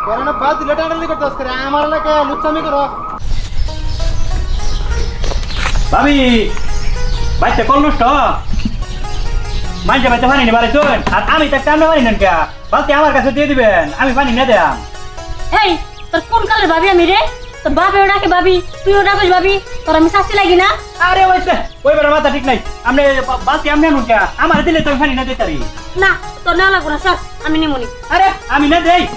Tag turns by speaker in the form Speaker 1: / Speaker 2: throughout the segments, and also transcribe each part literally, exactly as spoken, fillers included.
Speaker 1: Corona বাদ দিলে টাটালি করতে আসছে আমার এলাকা লুচ্চামি করো
Speaker 2: ভাবি বাইতে কল নষ্ট মানছে বাইতে পানি নি বাড়ি চল আর আমি তো টাইম পানি নেন কে বালতি আমার কাছে দিয়ে দিবেন আমি পানি না দেয়াম
Speaker 3: এই তোর কোন কালের ভাবি আমি রে তোর বাপেও ডাকে ভাবি তুইও ডাকিস ভাবি তোর আমি শাস্তি লাগি না
Speaker 2: আরে ওইছে ওই বেড়া মাথা ঠিক নাই আপনি বালতি আমি আনুন কে আমার দিলে তো পানি না দিতে পারি
Speaker 3: না তোর নেওয়া লাগবো না সর আমি নিমুনি
Speaker 2: আরে আমি না দেই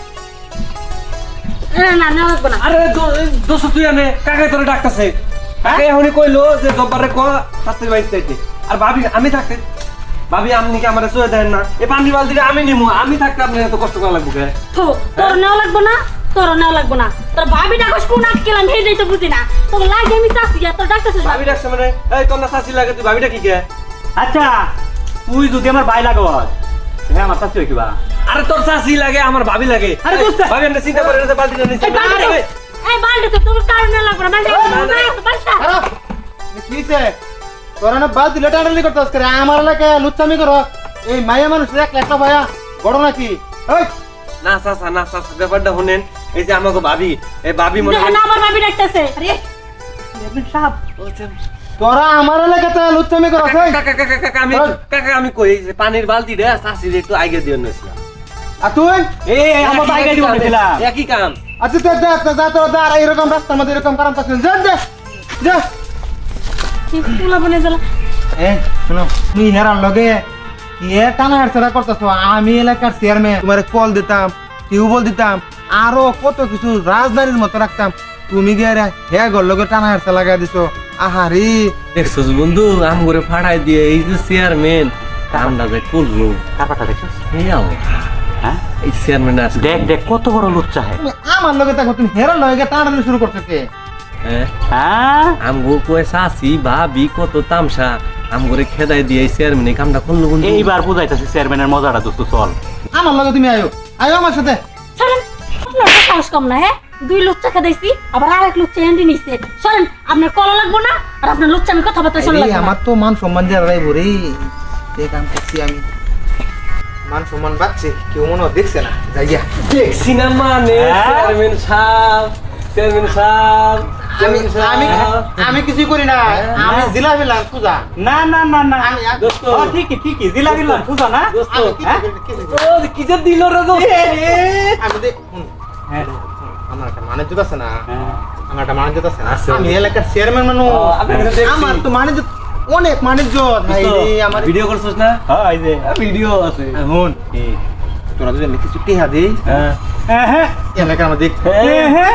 Speaker 3: না না নেওয়া লাগবো না
Speaker 4: আরে দোষ তুই আনে কাকাই তোরে ডাকতেছে কাকাই এখনই কইলো যে জব্বারে ক শাস্তির বাইতে যাইতে আর ভাবি আমি থাকতে ভাবি আপনি কি আমারে চুয়ে দেন না এই পানি বালতিটা আমি নিমু আমি থাকতে আপনি এত কষ্ট করা লাগবে কে
Speaker 3: থো তোর নেওয়া লাগবো না তোর নেওয়া লাগবো না তোর ভাবি ডাকস কোন আট গেলাম হেই তো বুঝি না তোর লাগে আমি চাচ্ছি তোর ডাকতেছিস
Speaker 4: ভাবি ডাকছে মানে এই তোর না শাস্তি লাগে তুই ভাবি ডাকি কে
Speaker 2: আচ্ছা তুই যদি আমার ভাই লাগত হ্যাঁ আমার শাস্তি হইবা
Speaker 4: আরে তোর শাস্তি লাগে আমার ভাবি লাগে
Speaker 2: আরে দোস্ত
Speaker 4: ভাবি আমরা চিন্তা করে না বালতিটা নিছি
Speaker 3: এই বালতি তো- এই বালতি তো তোর কারণ নেওয়া লাগবো না বালতি বালতি
Speaker 1: আরে কিছে করোনা বাদ দিলে টাটালি করতে আসছে আমার এলাকা লুচ্চামি করো এই মায়া মানুষ এক একটা ভাইয়া বড় নাকি এই
Speaker 4: না চাচা না চাচা ব্যাপারটা শুনেন এই যে আমাকে ভাবি এই ভাবি মনে
Speaker 3: দেখেন আমার ভাবি ডাকতেছে আরে
Speaker 2: সাহেব
Speaker 1: তোরা আমার এলাকাতে লুচ্চামি করো এই
Speaker 4: কাকা কাকা কাকা আমি কাকা আমি কই এই যে পানির বালতি রে চাষি একটু আগে দিয়ে নছিলাম
Speaker 1: আর তুই
Speaker 2: এই এই আমার বাইকে দিব দিলাম
Speaker 4: একই কাম
Speaker 1: আচ্ছা তো যা যা তোরা যা আর এরকম রাস্তার মধ্যে এরকম কারণ থাকছে যা যা যা
Speaker 3: তুলা বনে জ্বালা
Speaker 1: এ শুনো তুমি হেরার লগে এ টানা হেরছেরা করতেছো আমি এলাকার চেয়ারম্যান তোমার কল দিতাম টিউবওয়েল দিতাম আরো কত কিছু রাজধানীর মতো রাখতাম তুমি গিয়ে হে ঘর লগে টানা হেরছে লাগাই দিছো আহারি
Speaker 4: দেখছো বন্ধু আম করে ফাড়াই দিয়ে এই যে চেয়ারম্যান কামটা যে করলো
Speaker 2: কাপাটা দেখছিস
Speaker 4: এই আও
Speaker 2: হ্যাঁ
Speaker 4: এই চেয়ারম্যান আছে
Speaker 2: দেখ দেখ কত বড় লুচ্চা হ্যাঁ
Speaker 1: তুমি আমার লগে দেখো তুমি হেরার লগে টানাটানি শুরু করছো কে
Speaker 4: হ্যাঁ
Speaker 2: হ্যাঁ
Speaker 4: আমগো কয় চাষি ভাবি কত তামসা আম করে খেদাই দিয়ে এই চেয়ারম্যান এই কামটা করলো বন্ধু
Speaker 2: এইবার বুঝাইতেছে চেয়ারম্যানের মজাটা দোস্ত চল
Speaker 1: আমার লগে তুমি আয়ো আয়ো আমার সাথে
Speaker 3: সরেন আপনার তো সাহস কম না হ্যাঁ দুই লুচ্চা খেদাইছি আবার আরেক লুচ্চা এন্ডি নিছে সরেন আপনার কলা লাগবো না আর আপনার লুচ্চা আমি কথাবার্তা শুনলাম
Speaker 1: এই আমার তো মান সম্মান দিয়ে রাইবো রে এই কাম করছি আমি মান সম্মান বাড়ছে কেউ মনে হয় দেখছে না যাইয়া
Speaker 4: দেখছি না মানে
Speaker 2: হ্যাঁ?
Speaker 4: চেয়ারম্যান সাহেব চেয়ারম্যান সাহেব
Speaker 1: আমি আমি আমি কিছু করি না আমি জিলা বিলাম পূজা
Speaker 2: না না না না
Speaker 1: আমি আর-
Speaker 4: দোস্ত
Speaker 2: ও ঠিকই ঠিকই জিলা দিলাম বুঝা না
Speaker 4: দোস্ত
Speaker 1: আমি কিছু
Speaker 2: হ্যাঁ?
Speaker 1: করি না, কিছু করি না।
Speaker 4: ও কি যে দিল রে দোস্ত
Speaker 1: আমি দেখ হুম,
Speaker 2: হ্যাঁ
Speaker 1: আমার একটা মানিজ্য আছে না
Speaker 2: হ্যাঁ।
Speaker 1: আমার একটা মানিজ্য আছে না
Speaker 4: আছে।
Speaker 1: আমি এলাকার চেয়ারম্যান মানুষ
Speaker 4: ও, আমি তো দেখছি।
Speaker 1: আমার তো মানিজ্য অনেক মানিজ্য ভাই রে, আমার
Speaker 4: ভিডিও করছিস না
Speaker 2: হ্যাঁ এই যে
Speaker 4: ভিডিও আছে
Speaker 1: হুন তোরা যদি আমি কিছু টেহা দেই
Speaker 4: হ্যাঁ
Speaker 2: হ্যাঁ হ্যাঁ
Speaker 1: এলাকার আমার দেখ
Speaker 2: হ্যাঁ হ্যাঁ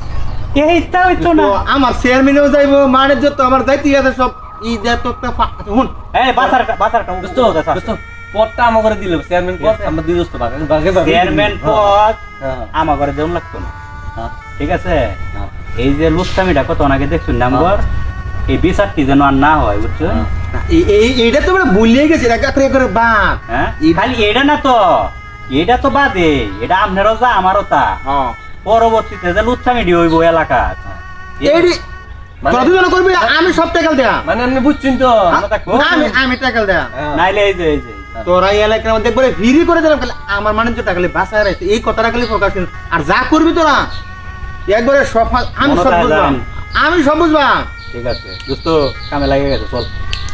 Speaker 2: এই তা হইতো না
Speaker 1: আমার চেয়ারম্যানও যাইবো মানিজ্য তো আমার যাইতে আছে সব ই দে তো একটা ফা- হুন
Speaker 2: এই বাসারটা বাসারটা
Speaker 4: দোস্ত দোস্ত পদটা আমার করে দিল চেয়ারম্যান পদ আমরা দুই দোস্ত ভাগে ভাগে ভাগে
Speaker 2: চেয়ারম্যান পদ
Speaker 4: হ্যাঁ।
Speaker 2: আমার ঘরে দেউন লাগতো না
Speaker 4: হ্যাঁ।
Speaker 2: ঠিক আছে
Speaker 4: হ্যাঁ।
Speaker 2: এই যে লুচ্চামিটা কত নাকি দেখছুন নাম্বার এই বিচারটি যেন আর না হয় বুঝছো
Speaker 4: হ্যাঁ।
Speaker 1: এই- এই এইটা তো আমরা ভুলিয়ে গেছি এটা করে করে বাদ
Speaker 2: হ্যাঁ
Speaker 1: এই-
Speaker 2: খালি এটা না তো এটা তো বাদে এটা আপনারও যা আমারও তা
Speaker 1: হ্যাঁ
Speaker 2: পরবর্তীতে যে লুচ্চামিটি হইব এলাকার
Speaker 1: এইডি
Speaker 4: মানে-
Speaker 1: তোরা দুজন করবি আমি সব টাকাল দেয়া
Speaker 4: মানে আপনি বুঝছেন তো
Speaker 2: আমরা তা করি।
Speaker 1: আমি আমি টাকাল দেয়া
Speaker 4: হ্যাঁ।
Speaker 2: নাইলে এই যে এই যে
Speaker 1: তোরা এই এলাকার মধ্যে একবারে ভিড়ি করে দিলাম খালি আমার মানুষ টাকা খালি বাসায় রাখছে এই কথাটা খালি ফোকাস করিস। আর যা করবি তোরা একবারে সফল আমি সব
Speaker 2: মনে
Speaker 1: বুঝবাম
Speaker 2: থাকবেন।
Speaker 1: আমি সব বুঝবাম
Speaker 2: ঠিক আছে দোস্ত কামে লাগে গেছে চল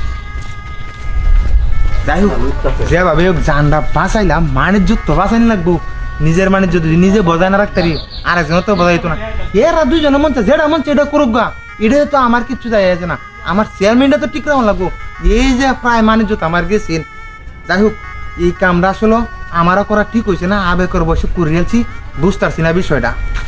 Speaker 1: যাই হোক যেভাবে হোক জানটা বাঁচাইলাম বাণিজ্য তো বাঁচাইনি লাগবো নিজের বাণিজ্য যদি নিজে বজায় না রাখতে পারি আর একজন তো বজাইতো না এরা দুজনে মন চায় যেটা মন চায় এটা করুক গা এটা তো আমার কিচ্ছু যায় আছে না আমার চেয়ারম্যানটা তো ঠিক রাখুন লাগবো এই যে প্রায় বাণিজ্য তো আমার গেছেন যাই হোক এই কামটা আসলে আমারও করা ঠিক হয়েছে না আবেগের বসে করিয়েছি বুঝতে পারছি না বিষয়টা